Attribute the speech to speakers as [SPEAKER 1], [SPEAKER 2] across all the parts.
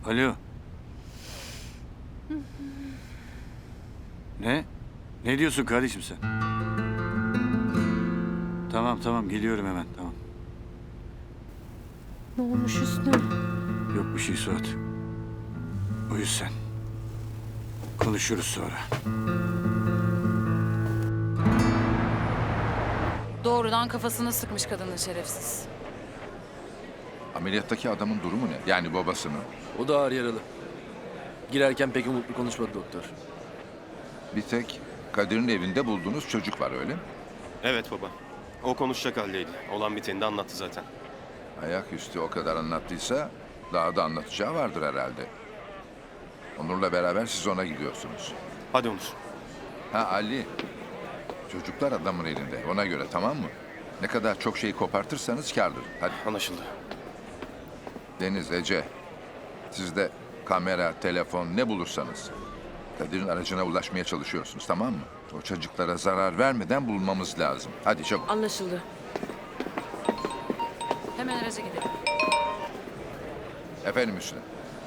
[SPEAKER 1] Alo. Ne? Ne diyorsun kardeşim sen? Tamam geliyorum hemen tamam.
[SPEAKER 2] Ne olmuş Hüsnü?
[SPEAKER 1] Yok bir şey Suat. Uyu sen. Konuşuruz sonra.
[SPEAKER 3] Doğrudan kafasını sıkmış kadının şerefsiz.
[SPEAKER 4] Ameliyattaki adamın durumu ne? Yani babasının.
[SPEAKER 5] O da ağır yaralı. Girerken pek umutlu konuşmadı doktor.
[SPEAKER 4] Bir tek Kadir'in evinde bulduğunuz çocuk var öyle mi?
[SPEAKER 6] Evet baba. O konuşacak haldeydi. Olan biteni de anlattı zaten.
[SPEAKER 4] Ayaküstü o kadar anlattıysa daha da anlatacağı vardır herhalde. Onur'la beraber siz ona gidiyorsunuz.
[SPEAKER 6] Hadi Onur.
[SPEAKER 4] Ha Ali. Çocuklar adamın elinde. Ona göre tamam mı? Ne kadar çok şeyi kopartırsanız kârdır. Hadi.
[SPEAKER 6] Anlaşıldı.
[SPEAKER 4] Deniz, Ece. Siz de kamera, telefon ne bulursanız. Kadir'in aracına ulaşmaya çalışıyorsunuz tamam mı? O çocuklara zarar vermeden bulmamız lazım. Hadi çabuk.
[SPEAKER 2] Anlaşıldı.
[SPEAKER 3] Hemen araca gidelim.
[SPEAKER 4] Efendim Hüsnü.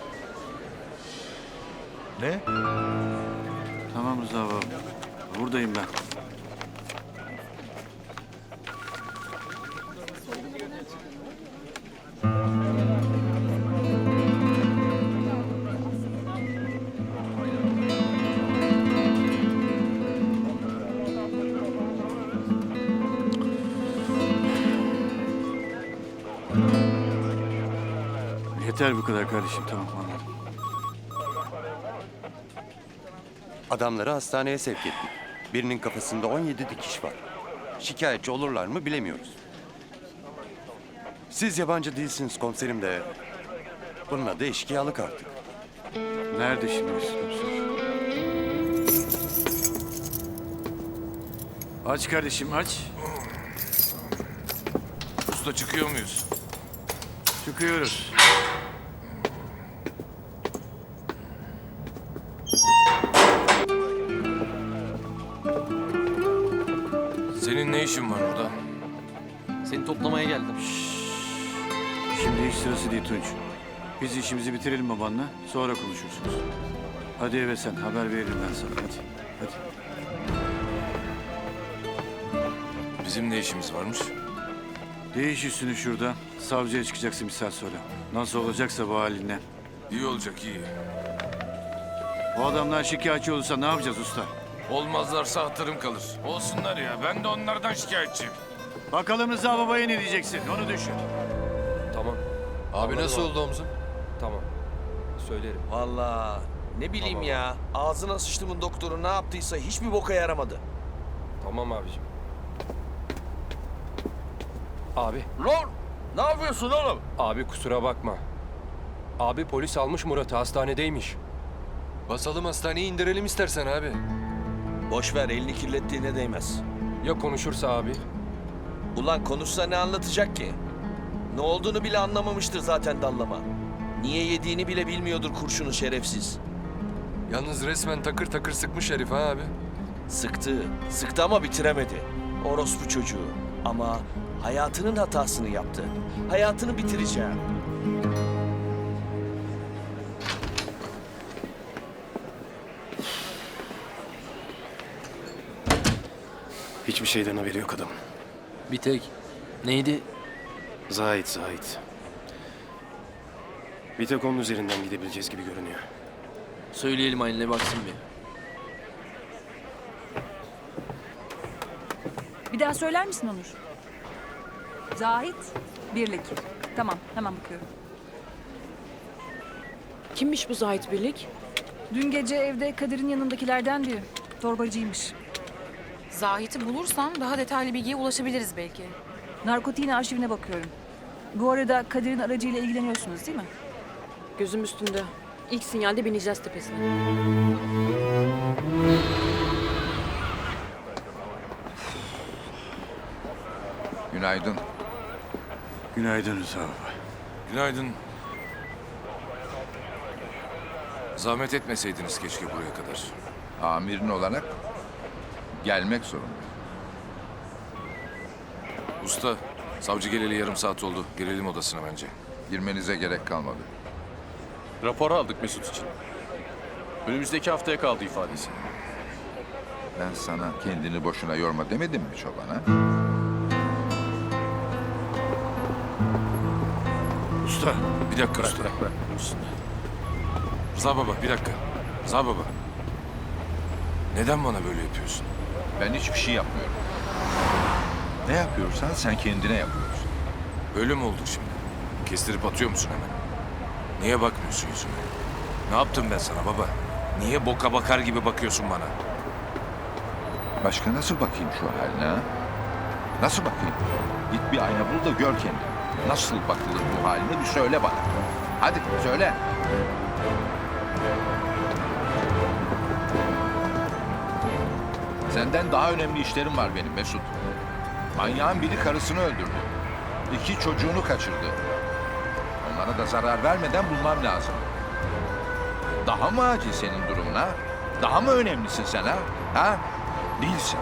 [SPEAKER 7] Ne?
[SPEAKER 1] Tamam Rıza baba. Buradayım ben. Yeter bu kadar kardeşim tamam anladım.
[SPEAKER 8] Adamları hastaneye sevk ettik. Birinin kafasında 17 dikiş var. Şikayetçi olurlar mı bilemiyoruz. Siz yabancı değilsiniz komiserim de. Bunun adı eşkıyalık artık.
[SPEAKER 1] Nerede şimdi komiser? Aç kardeşim aç.
[SPEAKER 7] Usta çıkıyor muyuz?
[SPEAKER 1] Çıkıyoruz.
[SPEAKER 7] Senin ne işin var burada?
[SPEAKER 5] Seni toplamaya geldim.
[SPEAKER 1] Şimdi hiç sırası değil Tunç. Biz işimizi bitirelim babanla sonra konuşursunuz. Hadi eve sen haber veririm ben sana hadi. Hadi.
[SPEAKER 7] Bizim ne işimiz varmış?
[SPEAKER 1] Değiş üstünü şurada. Savcıya çıkacaksın bir saat sonra. Nasıl olacaksa bu halinle.
[SPEAKER 7] İyi olacak iyi.
[SPEAKER 1] O adamlar şikayetçi olursa ne yapacağız usta?
[SPEAKER 7] Olmazlarsa hatırım kalır. Olsunlar ya ben de onlardan şikayetçiyim.
[SPEAKER 1] Bakalım Rıza babaya ne diyeceksin onu düşün.
[SPEAKER 5] Tamam.
[SPEAKER 7] Abi nasıl oldu omzun?
[SPEAKER 5] Tamam. Söylerim.
[SPEAKER 9] Vallahi ne bileyim ya. Ağzına sıçtımın doktoru ne yaptıysa hiçbir boka yaramadı.
[SPEAKER 5] Tamam abicim. Abi.
[SPEAKER 9] Lan ne yapıyorsun oğlum?
[SPEAKER 5] Abi kusura bakma. Abi polis almış Murat'ı hastanedeymiş.
[SPEAKER 7] Basalım hastaneyi indirelim istersen abi.
[SPEAKER 9] Boş ver elini kirlettiğine değmez.
[SPEAKER 5] Ya konuşursa abi?
[SPEAKER 9] Ulan konuşsa ne anlatacak ki? Ne olduğunu bile anlamamıştır zaten dallama. Niye yediğini bile bilmiyordur kurşunu şerefsiz.
[SPEAKER 7] Yalnız resmen takır takır sıkmış herif ha abi.
[SPEAKER 9] Sıktı ama bitiremedi. Orospu çocuğu. Ama hayatının hatasını yaptı. Hayatını bitireceğim.
[SPEAKER 6] Hiçbir şeyden haberi yok adamın.
[SPEAKER 5] Bir tek. Neydi?
[SPEAKER 6] Zahit. Bir tek onun üzerinden gidebileceğiz gibi görünüyor.
[SPEAKER 5] Söyleyelim Aylin'e baksın bir.
[SPEAKER 10] Bir daha söyler misin Onur? Zahit, Birlik. Tamam, hemen bakıyorum.
[SPEAKER 2] Kimmiş bu Zahit Birlik?
[SPEAKER 10] Dün gece evde Kadir'in yanındakilerden biri. Torbacıymış.
[SPEAKER 3] Zahit'i bulursam daha detaylı bilgiye ulaşabiliriz belki.
[SPEAKER 10] Narkotiğin arşivine bakıyorum. Bu arada Kadir'in aracıyla ilgileniyorsunuz değil mi?
[SPEAKER 2] Gözüm üstünde. İlk sinyalde bineceğiz tepesine.
[SPEAKER 4] Günaydın.
[SPEAKER 1] Günaydın Rıza baba.
[SPEAKER 7] Günaydın. Zahmet etmeseydiniz keşke buraya kadar.
[SPEAKER 4] Amirin olarak gelmek zorunda.
[SPEAKER 7] Usta, savcı geleli yarım saat oldu. Gelelim odasına bence.
[SPEAKER 4] Girmenize gerek kalmadı.
[SPEAKER 11] Rapor aldık Mesut için. Önümüzdeki haftaya kaldı ifadesi.
[SPEAKER 4] Ben sana kendini boşuna yorma demedim mi çoban ha?
[SPEAKER 1] Usta.
[SPEAKER 7] Bir dakika usta.
[SPEAKER 11] Bırak.
[SPEAKER 7] Rıza baba bir dakika. Rıza baba. Neden bana böyle yapıyorsun?
[SPEAKER 4] Ben hiçbir şey yapmıyorum. Ne yapıyorsan sen kendine yapıyorsun.
[SPEAKER 7] Böyle mi olduk şimdi? Kestirip atıyor musun hemen? Niye bakmıyorsun yüzüme? Ne yaptım ben sana baba? Niye boka bakar gibi bakıyorsun bana?
[SPEAKER 4] Başka nasıl bakayım şu haline ha? Nasıl bakayım? Git bir ayna bul da gör kendini. Nasıl bakılır bu haline bir söyle bana. Hadi söyle. Senden daha önemli işlerim var benim Mesut. Manyağın biri karısını öldürdü. 2 çocuğunu kaçırdı. Onlara da zarar vermeden bulmam lazım. Daha mı acil senin durumun ha? Daha mı önemlisin sen ha? Ha? Değilsin.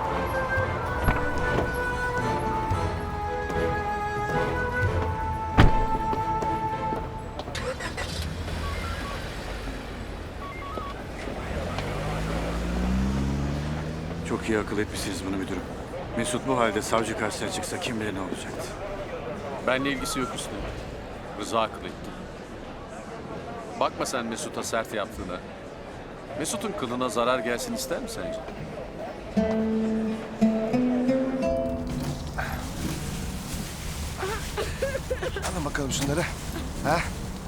[SPEAKER 1] Çok iyi akıl etmişsiniz bunu müdürüm. Mesut bu halde savcı karşısına çıksa kim bilir ne olacaktı.
[SPEAKER 11] Benle ilgisi yok üstüne. Rıza akıl etti. Bakma sen Mesut'a sert yaptığına. Mesut'un kılına zarar gelsin ister mi sence?
[SPEAKER 12] Alın bakalım şunları. Ha?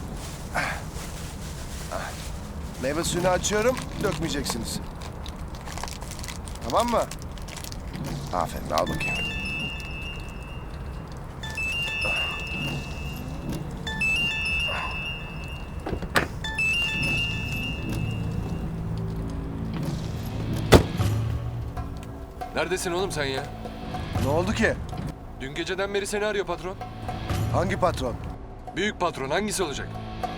[SPEAKER 12] Meyve suyunu açıyorum, dökmeyeceksiniz. Tamam mı? Aferin, al bakayım.
[SPEAKER 5] Neredesin oğlum sen ya?
[SPEAKER 12] Ne oldu ki?
[SPEAKER 5] Dün geceden beri seni arıyor patron.
[SPEAKER 12] Hangi patron?
[SPEAKER 5] Büyük patron hangisi olacak?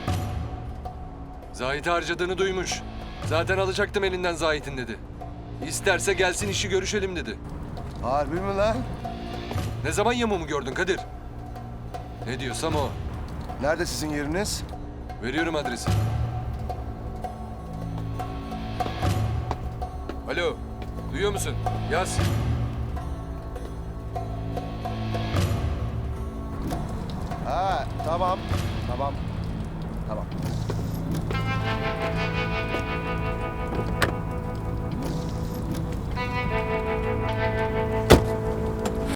[SPEAKER 5] Zahit'i harcadığını duymuş. Zaten alacaktım elinden Zahit'in dedi. İsterse gelsin işi görüşelim dedi.
[SPEAKER 12] Harbi mi lan?
[SPEAKER 5] Ne zaman yamumu gördün Kadir? Ne diyorsam o.
[SPEAKER 12] Nerede sizin yeriniz?
[SPEAKER 5] Veriyorum adresi. Alo, duyuyor musun? Yaz.
[SPEAKER 12] Ha, tamam. Tamam. Tamam.